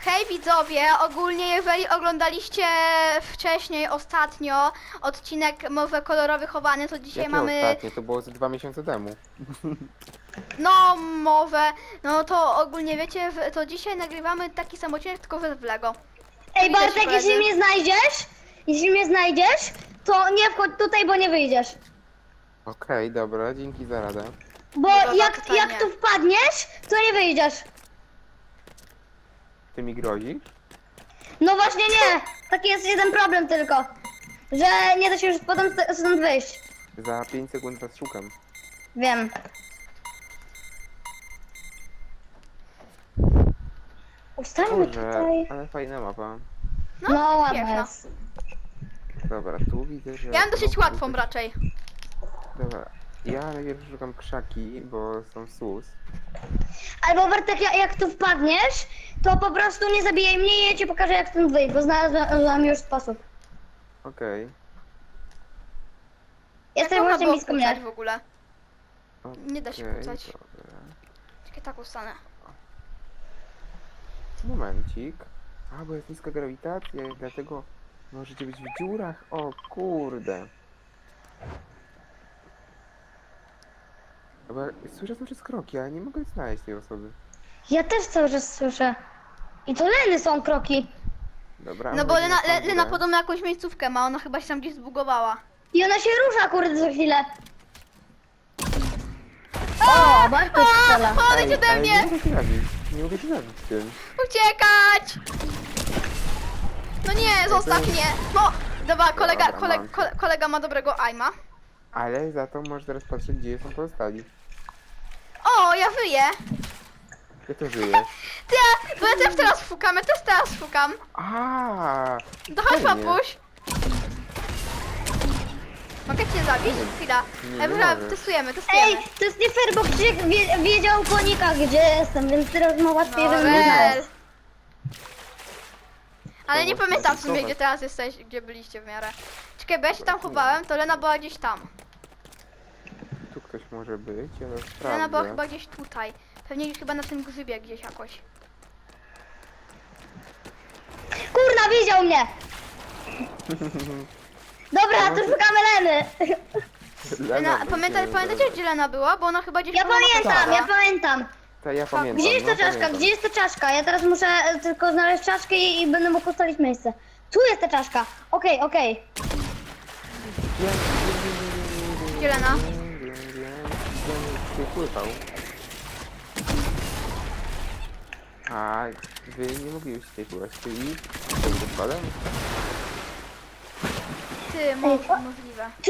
Hej widzowie, ogólnie jeżeli oglądaliście wcześniej, ostatnio odcinek Mowy Kolorowy Chowany, to dzisiaj Jakie mamy ostatnie? To było ze 2 miesiące temu. no mowę, no to ogólnie wiecie, to dzisiaj nagrywamy taki sam odcinek, tylko w Lego. Ej Widać, Bartek, koledzy? jeśli mnie znajdziesz, to nie wchodź tutaj, bo nie wyjdziesz. Okej, dobra, dzięki za radę. Bo Dobra, jak pytanie. tu wpadniesz, to nie wyjdziesz. Ty mi grozisz? No właśnie nie, taki jest jeden problem tylko, że nie da się już potem stąd wyjść. Za 5 sekund was szukam. Wiem. Ustańmy Boże, tutaj. ale fajna mapa. No ładna piękna. jest. Dobra, tu widzę, że... Ja mam dosyć no, łatwą raczej. Dobra, ja najpierw szukam krzaki, bo są sus. Albo Bartek, jak tu wpadniesz, to po prostu nie zabijaj mnie i ja ci pokażę jak stąd wyjść, bo znalazłam już sposób. Okej. Jesteś Jak można właśnie było blisko kłócać mnie. w ogóle? Nie da się Okej, kłócać. dobra. Czekaj, tak ustanę. Momencik. A, bo jest niska grawitacja, i dlatego możecie być w dziurach. O kurde. Bo słyszę cały czas kroki, ale nie mogę znaleźć tej osoby. Ja też cały czas słyszę. I to Leny są kroki. Dobra, No bo wchodzimy Lena, na tą Lena górę. podobno jakąś miejscówkę ma, ona chyba się tam gdzieś zbugowała. I ona się rusza kurde za chwilę. O, Bartek strzela. Odejdź ode ale mnie! nie mogę się zabić. Nie mogę się zabić z tym. Uciekać! No nie, zostaw mnie! No! Dobra, Dobra, mam. kolega ma dobrego aima. Ale za to możesz teraz patrzeć, gdzie są pozostali. O, ja wyję! Ja to żyję. Ty, bo ja też teraz fukam, ja też teraz fukam. A, To chodź, fajnie. papuś. Mogę cię zabić? Chwila. Nie Dobra, możesz. testujemy. Ej, to jest nie fair, bo Krzysiek wiedział konika gdzie jestem, więc teraz ma łatwiej, No, żeby mnie wel. znaleźć. Ale nie To możesz pamiętam w sumie, testować. gdzie teraz jesteś, gdzie byliście w miarę. Czekaj, bo ja się tam chowałem, to Lena była gdzieś tam. Tu ktoś może być, ale Lena była sprawdzę. chyba gdzieś tutaj. Pewnie chyba na tym grzybie gdzieś jakoś. Kurna, widział mnie! Dobra, to szukamy Leny. Lena, by pamiętacie, się gdzie Lena była? Bo ona chyba gdzieś Ja była na pamiętam, końcu. ja pamiętam. To ja pamiętam. Gdzie jest ta no, czaszka? pamiętam. Gdzie jest ta czaszka? Ja teraz muszę tylko znaleźć czaszkę i będę mógł ustalić miejsce. Tu jest ta czaszka. Okej, okej. Gdzie Lena? Się pływał. A wy nie mogliście tutaj pływać, czyli z odpadem? Ty, możliwe. Ty,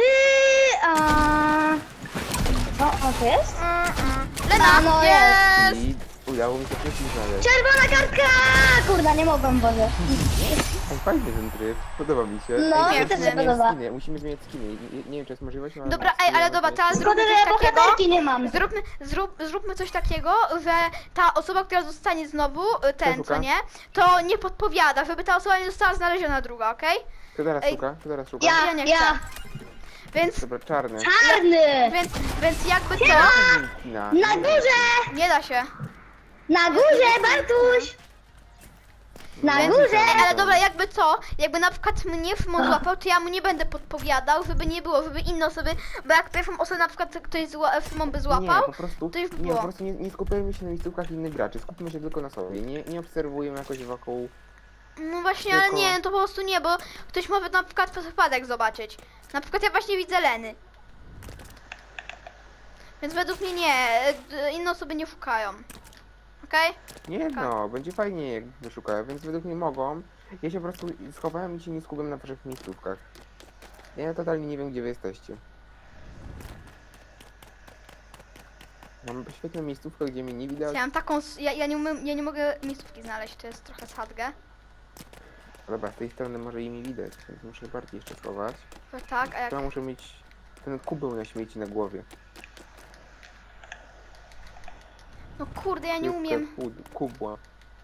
o, to jest? Lena, A, no jest! I udało mi się wszystkich znaleźć. Czerwona kartka! Kurna, nie mogłam, Boże. Ej, fajny ten tryb, podoba mi się. No, Ej, mi też się musimy zmieniać podoba. skiny, musimy zmieniać skiny. Nie wiem, czy jest możliwość, ale... Dobra, ej, ale dobra, teraz Szkoda, zróbmy że ja coś takiego. bohaterki nie mam. Zróbmy coś takiego, że ta osoba, która zostanie znowu, ten, co szuka? nie, to nie podpowiada, żeby ta osoba nie została znaleziona druga, okej? Kto teraz Ej. szuka? Kto teraz szuka? Ja nie chcę. Ja. Więc, Dobra, czarny. Czarny! więc jakby to, Skina. Na górze! nie da się. Na górze, Bartuś! Na Więc, górze! ale dobra, jakby co, jakby na przykład mnie Fimon złapał, to ja mu nie będę podpowiadał, żeby nie było, żeby inne osoby, bo jak pierwszą osobę na przykład ktoś Fimon by złapał, Nie, po prostu, to już by nie, było. po prostu nie skupiajmy się na miejscówkach innych graczy, skupmy się tylko na sobie, nie obserwujemy jakoś wokół. No właśnie, ale Tylko- nie, to po prostu nie, bo ktoś może na przykład przez przypadek zobaczyć. Na przykład ja właśnie widzę Leny. Więc według mnie nie, inne osoby nie szukają. Okej? Nie no, będzie fajnie jak wyszukają, więc według mnie mogą. Ja się po prostu schowałem i się nie skupiam na waszych miejscówkach. Ja totalnie nie wiem, gdzie wy jesteście. Mam świetną miejscówkę, gdzie mnie nie widać. Ja mam taką, ja nie mogę miejscówki znaleźć, to jest trochę sadge. Dobra, z tej strony może i mi widać, więc muszę bardziej jeszcze schować. To tak, a jak... Ja muszę mieć ten kubeł na śmieci na głowie. No kurde, ja nie Kubkę umiem. Kubła.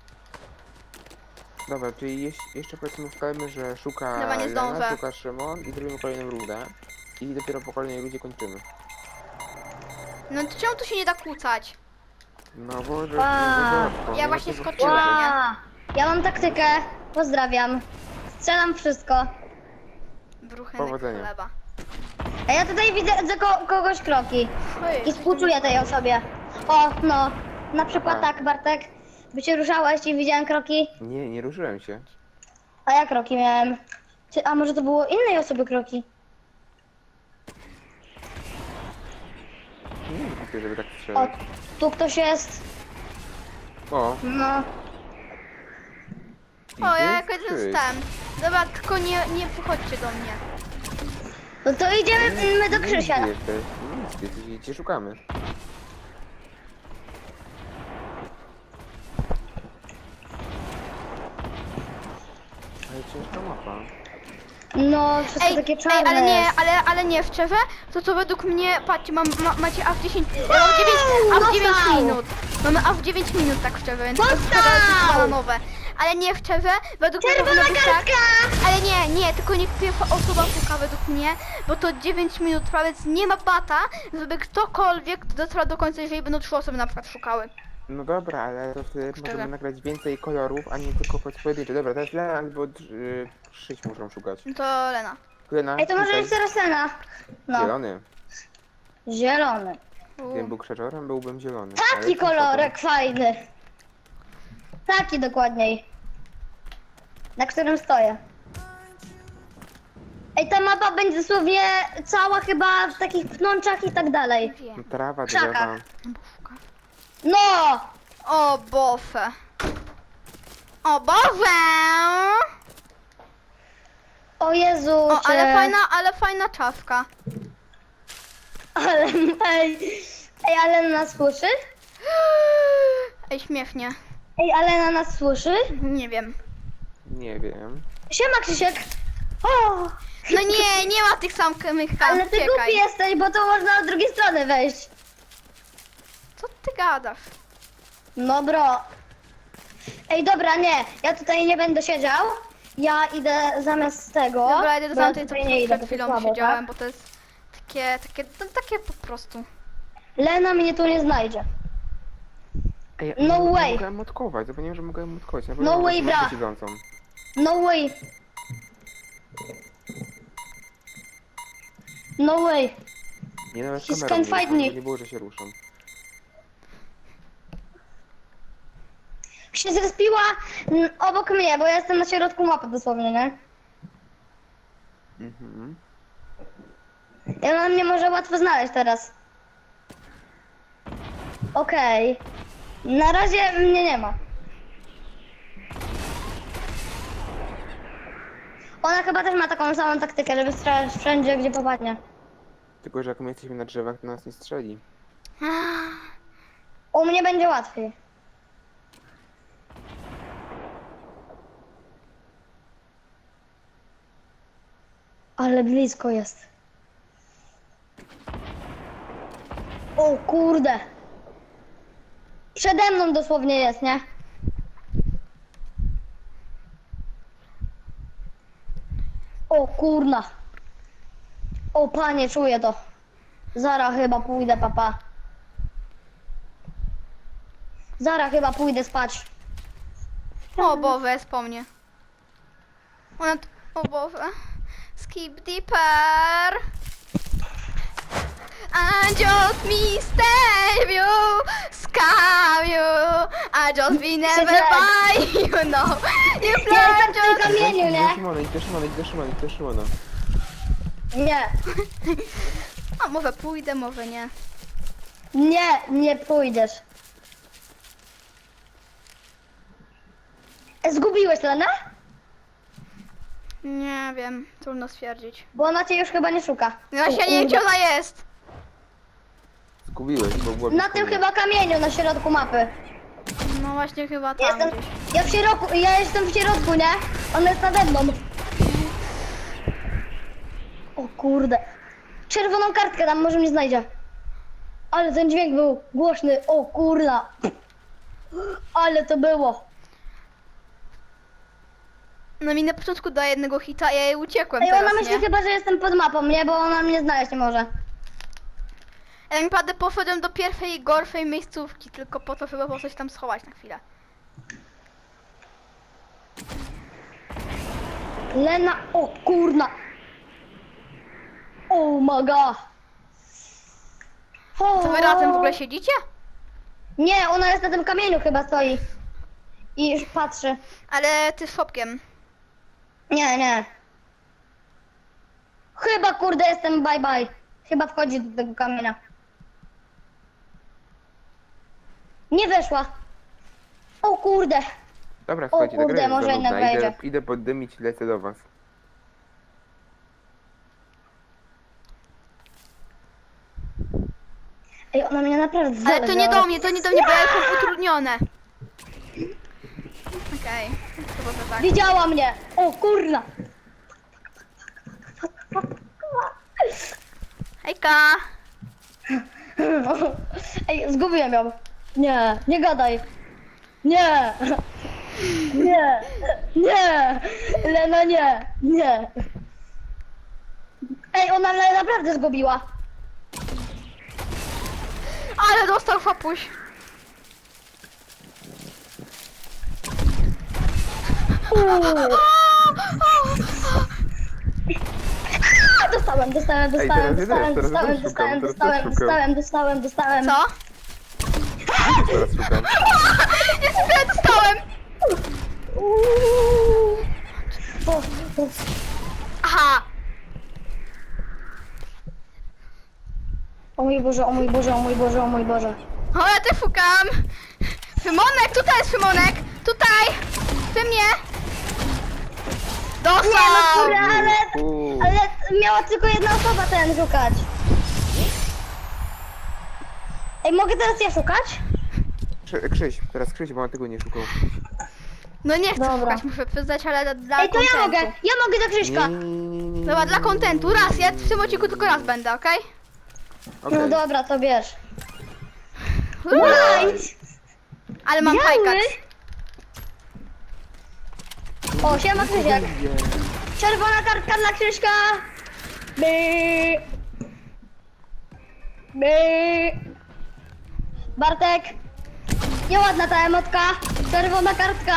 Dobra, czyli jeszcze powiedzmy ustalmy, że szuka Dobra, nie Lena, zdążę. szuka Szymon i zrobimy kolejną rundę. I dopiero po kolejnej rundzie kończymy. No to czemu tu się nie da kłócać? No bo że... Wow. że Ja nie właśnie ma co skoczyłem. wstrzymać. Ła! Ja mam taktykę. Pozdrawiam. Strzelam wszystko. Bruchenek Powodzenia. chleba. A ja tutaj widzę kogoś kroki. Ojej, I współczuję tej osobie. O, no. Na przykład Aha. tak, Bartek. By się ruszałeś i widziałem kroki. Nie, nie ruszyłem się. A ja kroki miałem. A może to było innej osoby kroki? Nie wiem, kupię, żeby tak O, strzelać. tu ktoś jest. O, No. O, ja idzie jakoś czy- zostałem. Dobra, tylko nie wychodźcie do mnie. No to idziemy my do Krzysia. Nie jesteś, nie jesteś, cię szukamy. Ale ciężka mapa. No, wszystko takie czarne. ale nie, jest. ale nie, szczerze, to według mnie, patrzcie, macie a w 10, ja mam 9, a w 9 dostał. minut. Mamy a w 9 minut, tak szczerze, więc to jest Dostał. chyba bananowe. Ale nie, szczerze, według mnie Czerwona powinno być tak, kartka! ale nie, tylko niech pierwsza osoba puka według mnie, bo to 9 minut trwa, więc nie ma bata, żeby ktokolwiek dotrwał do końca, jeżeli będą 3 osoby na przykład szukały. No dobra, ale to wtedy Szczerze. możemy nagrać więcej kolorów, a nie tylko pojedyncze. Dobra, teraz Lena albo Krzyś muszą szukać. No to Lena. Lena, Ej, to może tutaj. jest teraz Lena. No, Zielony. zielony. Gdybym był krzaczorem, byłbym zielony. Ale Taki jestem kolorek fajny. Taki dokładniej. Na którym stoję. Ej, ta mapa będzie dosłownie cała chyba w takich pnączach i tak dalej. szokowany. Wiem. Trawa, Krzakach. drzewa. Bo szuka. No! O, bofę. O, bofę! O Jezu, O, czy... ale fajna czapka. Ale, ej, ale na nas słyszy? Ej, śmiesznie. Ej, ale na nas słyszy? Nie wiem. Nie wiem. Siema, Krzysiek. O! No nie ma tych samych Ale ty uciekaj. głupi jesteś, bo to można od drugiej strony wejść. Co ty gadasz? No bro. Ej, dobra, nie. Ja tutaj nie będę siedział. Ja idę zamiast tego. Dobra, idę do bo ja tamtej, co tutaj nie idę, przed bo to chwilą słabo, siedziałem, tak? bo to jest takie po prostu. Lena mnie tu nie znajdzie. Ej, No nie way. mogłem motkować, zapomniałem, że mogłem motkować. Na No pewno way, mam bra. mapę siedzącą. No way. No way. Nie, nawet He's kamerą can fight nie, me. nie było, że się ruszam. Się zrespiła obok mnie, bo ja jestem na środku mapy dosłownie, nie? Mhm. I ona mnie może łatwo znaleźć teraz. Okej. Na razie mnie nie ma. Ona chyba też ma taką samą taktykę, żeby strzelać wszędzie, gdzie popadnie. Tylko, że jak my jesteśmy na drzewach, to nas nie strzeli. U mnie będzie łatwiej. Ale blisko jest. O kurde. Przede mną dosłownie jest, nie? O kurna. O panie, czuję to. Zara chyba pójdę, papa. Zara chyba pójdę spać. O Boże, jest po mnie. O Boże. Skip deeper. I just mistake you, scam you. I just be never by you know. You Ja plan jestem w tym just... kamieniu, Idź do nie? Szymona, idź do Szymona, idź do Szymona, idź do Szymona. Nie. A może pójdę, może nie. Nie, nie pójdziesz. Zgubiłeś Lenę? Nie wiem, trudno stwierdzić. Bo ona cię już chyba nie szuka. Ja się nie wiem, gdzie ona jest. Zgubiłeś, bo było Na blisko tym mnie. chyba kamieniu na środku mapy. No właśnie chyba Ja tam jestem, gdzieś. ja jestem w środku, nie? Ona jest nade mną. O kurde. Czerwoną kartkę tam może mnie znajdzie. Ale ten dźwięk był głośny. O kurna. Ale to było. No mi na początku daje jednego hita, a ja jej uciekłem Ej, teraz, ona myśli nie? chyba, że jestem pod mapą, nie? Bo ona mnie znaleźć nie może. Ja naprawdę poszedłem do pierwszej gorszej miejscówki, tylko po to, żeby po coś tam schować na chwilę. Lena, o kurna. Oh my god. To wy razem w ogóle siedzicie? Nie, ona jest na tym kamieniu chyba stoi. I już patrzy. Ale ty z Fopkiem. Nie, nie. Chyba kurde jestem bye bye. Chyba wchodzi do tego kamienia. Nie weszła. O kurde. Dobra, słuchajcie, ta kurde, gra jest może za jednak nudna. wejdzie. Idę poddymić i lecę do was. Ej, ona mnie naprawdę Ale to nie zależała. do mnie, to nie do mnie, bo ja jestem utrudnione. Okej, to może tak. Widziała mnie. O kurna. Hejka! Ej, zgubiłem ją. Nie, nie gadaj. Nie. Nie. Nie. Lena, nie. Nie. Ej, ona mnie naprawdę zgubiła. Ale dostał Fopuś. Dostałem. Co? Teraz szukam. Jest źle dostałem! Aha! O mój Boże, o mój Boże, o mój Boże, o mój Boże. O, ja też szukam! Szymonek, tutaj jest Szymonek! Tutaj! Przy mnie! Nie no Dostał! kurde, Uuu. ale miała tylko jedna osoba ten szukać. Ej, mogę teraz ja szukać? Krzyś, teraz Krzyś, bo on tego nie szukał. No nie chcę Dobra. szukać, muszę przyznać, ale dla Ej, to kontentu. ja mogę za Krzyśka. Nie. Dobra, dla kontentu, raz, ja w tym odcinku tylko raz będę, okej? Okej. No dobra, to bierz. Okay? White! Ale mam Biały. hajkacz. O, siema Krzysiek. Czerwona kartka dla Krzyśka. By. Bartek. Nieładna ta emotka. Czerwona kartka.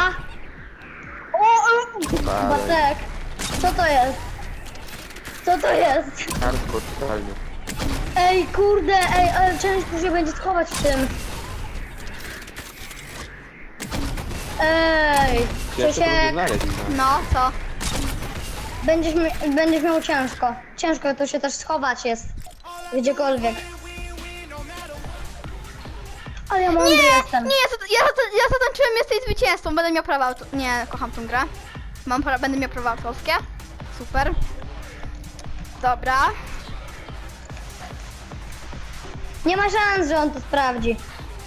Bartek. Co to jest? Co to jest? Hardcore, totalnie. Ej, kurde, ej, ale ciężko się będzie schować w tym. Ej, Ciężko to będzie Krzysiek, znaleźć. No. No, co? będziesz miał ciężko. Ciężko to się też schować jest. Gdziekolwiek. Ale ja mądry jestem. Nie, ja zatańczyłem jesteś zwycięzcą, będę miał prawa nie, kocham tą grę. Będę miał prawa autorskie. Super. Dobra. Nie ma szans, że on to sprawdzi.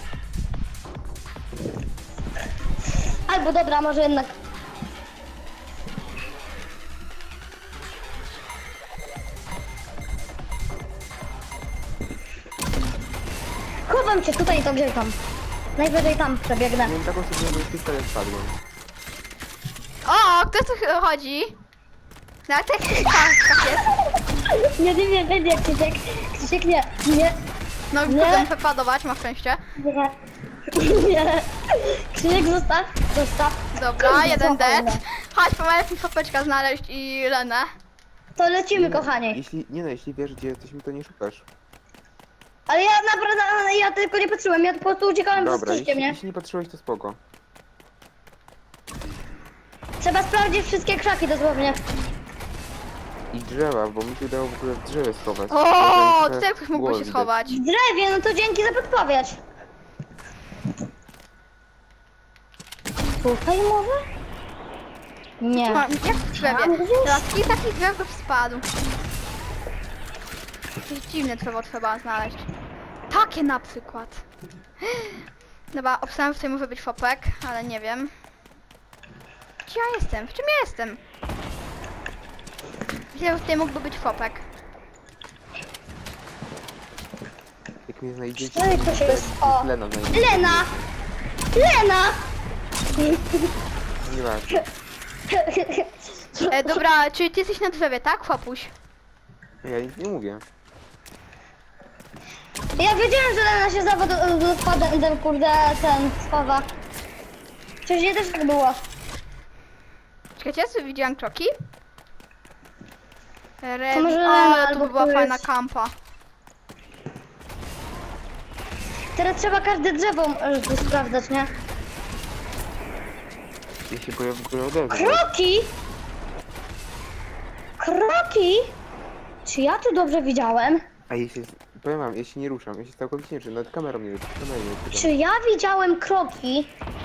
Albo dobra, może jednak. Chowam cię tutaj, to grzekam. Najwyżej tam przebiegnę. Miałem taką sytuację, że pistolet spadłem. O, kto tu chodzi? Na tak jest. Nie, Krzysiek. Krzysiek, nie. No, Nie. kurde, muszę padować, masz szczęście. Nie. Krzysiek, zostaw. Dobra, Kurde, jeden co dead. fajne. Chodź, pomagaj mi Fopeczka znaleźć i Lenę. To lecimy, kochani. Jeśli wiesz, gdzie jesteśmy, to nie szukasz. Ale ja naprawdę, ja tylko nie patrzyłem, ja po prostu uciekałem przez Dobra, Krzyśkiem, nie? jeśli nie patrzyłeś, to spoko. Trzeba sprawdzić wszystkie krzaki dosłownie. I drzewa, bo mi się udało w ogóle w drzewie schować. O, Potem tutaj ktoś mógłby się widać. schować. W drewie, no to dzięki za podpowiedź. Tutaj może? Nie. Jak w drzewie? Teraz kilka takich drzew go spadł. Jakieś dziwne drzewo trzeba znaleźć. Takie na przykład. Dobra, obstałem, że tutaj może być Fopek, ale nie wiem. Gdzie ja jestem? W czym ja jestem? Myślę, że tutaj mógłby być Fopek. Jak mnie znajdziecie, No i to się jest, o. Lena znajdzie. Lena! Lena! Nieważne. Dobra, czyli ty jesteś na drzewie, tak, Fopuś? Ja nic nie mówię. Ja wiedziałem, że Lena się ten kurde, ten schowa. Przecież nie też tak było. Czekajcie, ja sobie widziałam kroki. Rewi... może Ale albo to by była tu fajna jest- kampa. Teraz trzeba każde drzewo tu sprawdzać, nie? Ja się boję w ogóle odezwać. Kroki! Kroki! Czy ja tu dobrze widziałem? A jeśli... Powiem wam, ja się nie ruszam, ja się całkowicie nie ruszam, nawet kamerą nie ruszam. Czy ja widziałem kroki?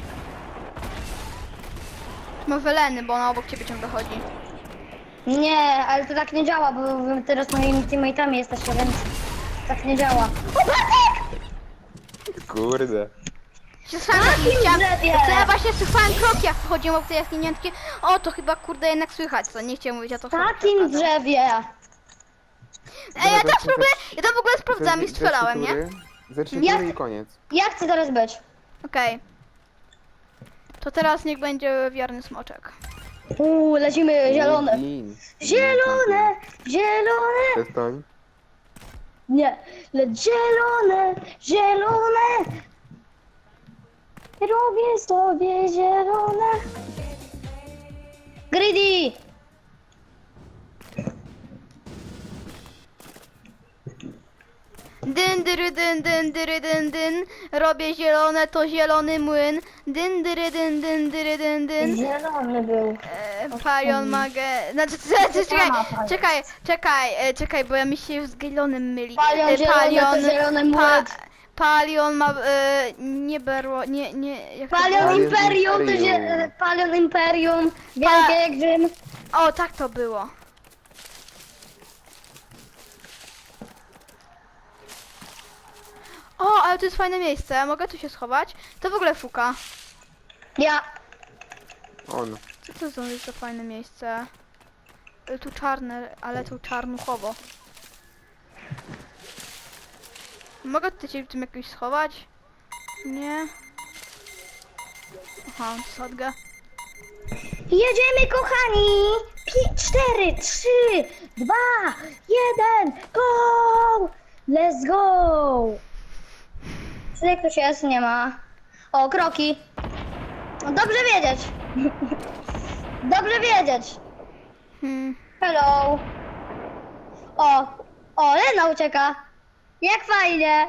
Ma Weleny, bo ona obok ciebie ciągle chodzi. Nie, ale to tak nie działa, bo wy teraz moimi teammate'ami jesteście, więc tak nie działa. O, Bartek! Kurde. Się sam Takim chciałam... drzewie! To ja właśnie słyszałem kroki, jak wchodziłem obok tej jaskiniętki. O, to chyba kurde jednak słychać, co? Nie chciałem mówić, a to W takim drzewie! Ej, ja tam w ogóle sprawdzałem i strzelałem, nie? Za 3 Jak- tury i koniec. Ja chcę teraz być. Okej. To teraz niech będzie wierny smoczek. Lecimy zielone. Lin. Zielone, zielone. Przestań. Nie, lecz zielone, zielone. Robię sobie zielone. Greedy! Dyn, dyry, dyn, dyn, dyry, dyn, dyn. Robię zielone, to zielony młyn. Dyn, dyry, dyn, dyn, dyry, dyn, dyn. Zielony był. Palion magę... Znaczy, czekaj, bo ja mi się z Gailonem myli. Palion zielony to zielony młyn. Palion ma... nie berło, nie... Jak to Palion było? Imperium, to Imperium. Palion Imperium. Wielkie jak Rzym. O, tak to było. O, ale to jest fajne miejsce, mogę tu się schować? To w ogóle fuka. Ja. On. Co to za fajne miejsce? Tu czarne, ale tu czarnuchowo. Mogę tutaj się w tym jakoś schować? Nie. Aha, sadgę. Jedziemy, kochani! 4, 3, 2, 1, go! Let's go! Tutaj ktoś jest? Nie ma. O, kroki. No, dobrze wiedzieć. Dobrze wiedzieć. Hello. O, Lena ucieka. Jak fajnie.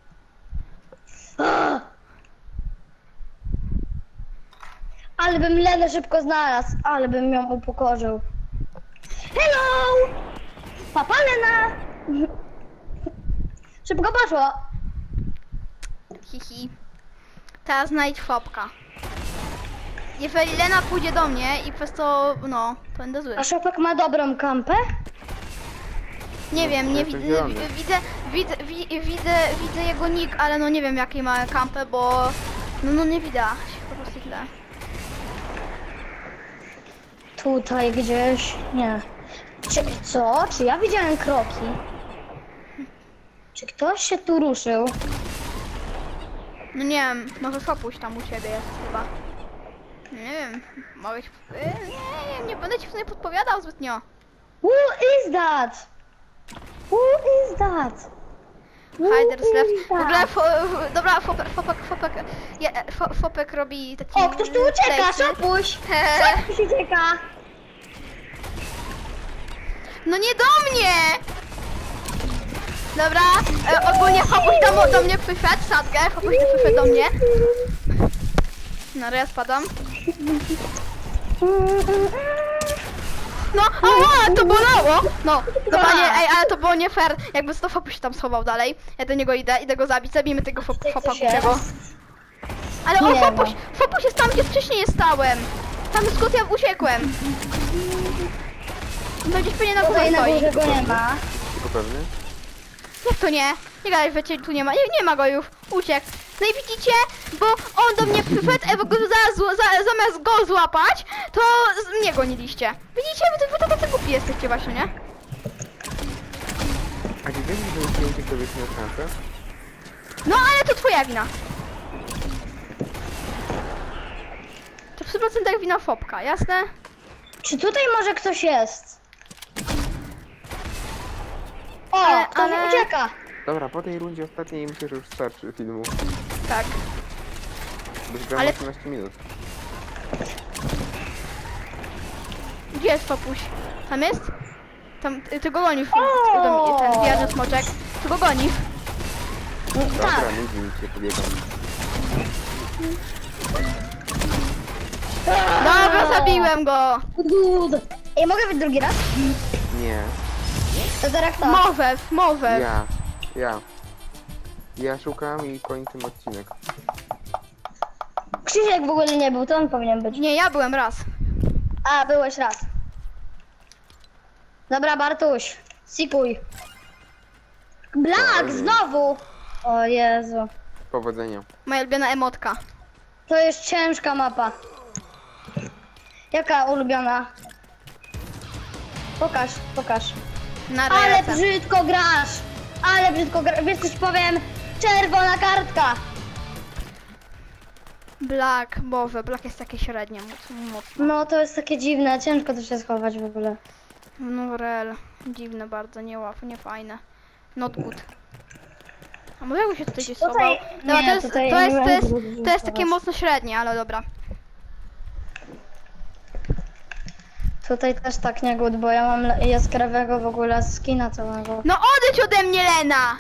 Ale bym Lenę szybko znalazł, ale bym ją upokorzył. Hello! Papa Lena! Szybko poszło. Hihi. Teraz znajdź fopka. Jeżeli Lena pójdzie do mnie i przez to, no, to będę zły. A Szopek ma dobrą kampę? Nie wiem, nie Jestem widzę, zielony. widzę jego nick, ale no nie wiem jaki ma kampę, bo no nie widać, po prostu źle. Tutaj gdzieś. Nie. Co? Czy ja widziałem kroki? Czy ktoś się tu ruszył? No nie wiem, może fopuś tam u ciebie jest chyba. Nie wiem, mogę ci... nie będę ci w sumie podpowiadał zbytnio. Who is that? Who is that? Who Hiders is left. W ogóle, that? dobra, Fopek robi taki... O, ktoś tu ucieka, place'y. Szopuś! Hehe. Szopuś ucieka! No nie do mnie! Dobra, ogólnie Fopuś do mnie przyszedł, sadgę, Fopuś nie przyszedł do mnie. No, ale ja spadam. No, ała, to bolało! No, dobra, nie, ej, ale to było nie fair. Jakby to Fopuś się tam schował dalej. Ja do niego idę go zabić, zabijmy tego Fopa coś jest? kupiego. Ale o, Nie ma. Fopuś jest tam, gdzie wcześniej stałem. Tam skąd ja uciekłem. To gdzieś pewnie na górze Tutaj na stoi. górze go nie ma. Tylko pewny? Jak to nie? Nie gadaj, wiecie, tu nie ma. Nie ma go już. Uciekł. No i widzicie, bo on do mnie przyszedł, a wy go zamiast go złapać, to mnie goniliście. Widzicie, wy to tacy głupi jesteście właśnie, nie? A nie wiesz, że jeśli uciekł, to byś miał szansę? No ale to twoja wina. To w 100% wina Fopka, jasne? Czy tutaj może ktoś jest? O, Ale- ktoś ale- ucieka! Dobra, po tej rundzie ostatniej myślę, że już starczy filmu. Tak. Byś grał Ale- 18 minut. Gdzie jest Fopuś? Tam jest? Tam, ty go gonisz, O! ten wierny smoczek. Ty go gonisz. Dobra, Tak. nudzi mi się, pobiegam. Dobra, zabiłem go. Good. Ej, mogę być drugi raz? Nie. To teraz kto? Mowew. Ja szukam i kończymy odcinek. Krzysiek w ogóle nie był, to on powinien być. Nie, ja byłem raz. A, byłeś raz. Dobra, Bartuś, sikuj. Black, znowu! O Jezu. Powodzenia. Moja ulubiona emotka. To jest ciężka mapa. Jaka ulubiona? Pokaż, pokaż. Na Ale rejece. brzydko grasz! Ale brzydko grasz. Wiesz coś powiem? Czerwona kartka! Black, Mowe. Black jest takie średnie, mocno. No to jest takie dziwne, ciężko to się schować w ogóle. No rel. Dziwne bardzo, nie fajne. Not good. A może jakby się tutaj gdzieś schował? Tutaj- Dobra, nie, to jest, tutaj to jest, nie to jest, będę to jest takie schować. mocno średnie, ale dobra. Tutaj też tak nie good, bo ja mam jaskrawego w ogóle skina całego. No odejdź ode mnie, Lena!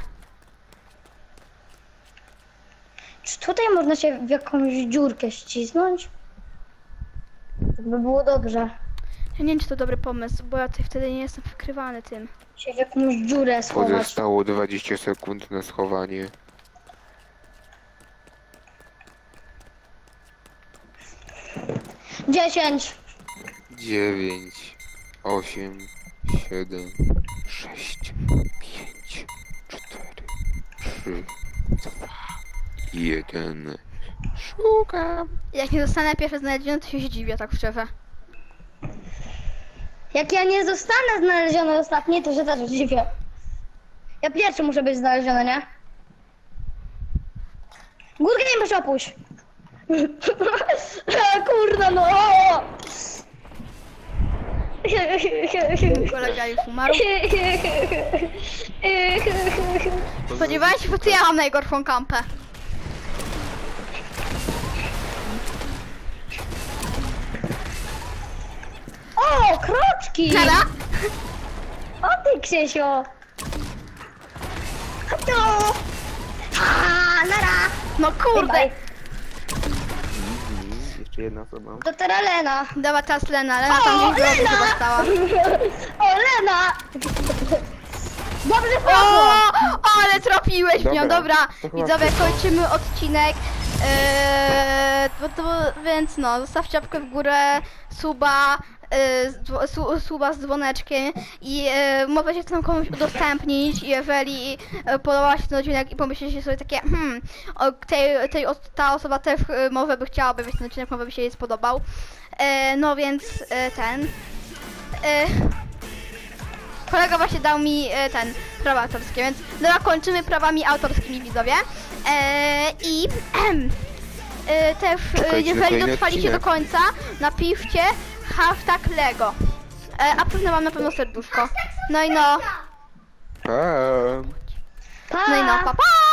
Czy tutaj można się w jakąś dziurkę ścisnąć? To by było dobrze. Ja nie wiem, czy to dobry pomysł, bo ja tutaj wtedy nie jestem wykrywany tym. Się w jakąś dziurę schować. Pozostało 20 sekund na schowanie. 10. 9, 8, 7, 6, 5, 4, 3, 2, 1. Szukam. Jak nie zostanę pierwszy znaleziony, to się zdziwię, tak szczerze. Jak ja nie zostanę znaleziony ostatni, to się też zdziwię. Ja pierwszy muszę być znaleziony, nie? Górkę nie muszę opuść. Kurna no! Kolega już umarł. Spodziewałem się, że to ja mam najgorszą kampę. O, kroczki! Nara? O ty, Ksiesio! No! A, nara! No kurde! Bye, Jeszcze jedna osoba. To teraz Lena. Dobra, teraz Lena. Lena tam gdzieś w rogu chyba stała. O, Lena! Dobrze O, poszło! ale trafiłeś mnie. Dobra, Dobra, to chyba widzowie, wszystko. kończymy odcinek. Więc no, zostawcie łapkę w górę, suba, suba z dzwoneczkiem i mogę się tam komuś udostępnić, jeżeli podobał się ten odcinek i pomyślicie sobie takie, ta osoba też może by chciała obejrzeć ten odcinek, może by się jej spodobał. No więc kolega właśnie dał mi prawa autorskie, więc dobra, kończymy prawami autorskimi, widzowie. I też, Czekajcie na jeżeli kolejny dotrwaliście do odcinek. końca, napiszcie hashtag Lego. A pewno mam na pewno serduszko. No i no, Pa! Pa! no i no, pa pa!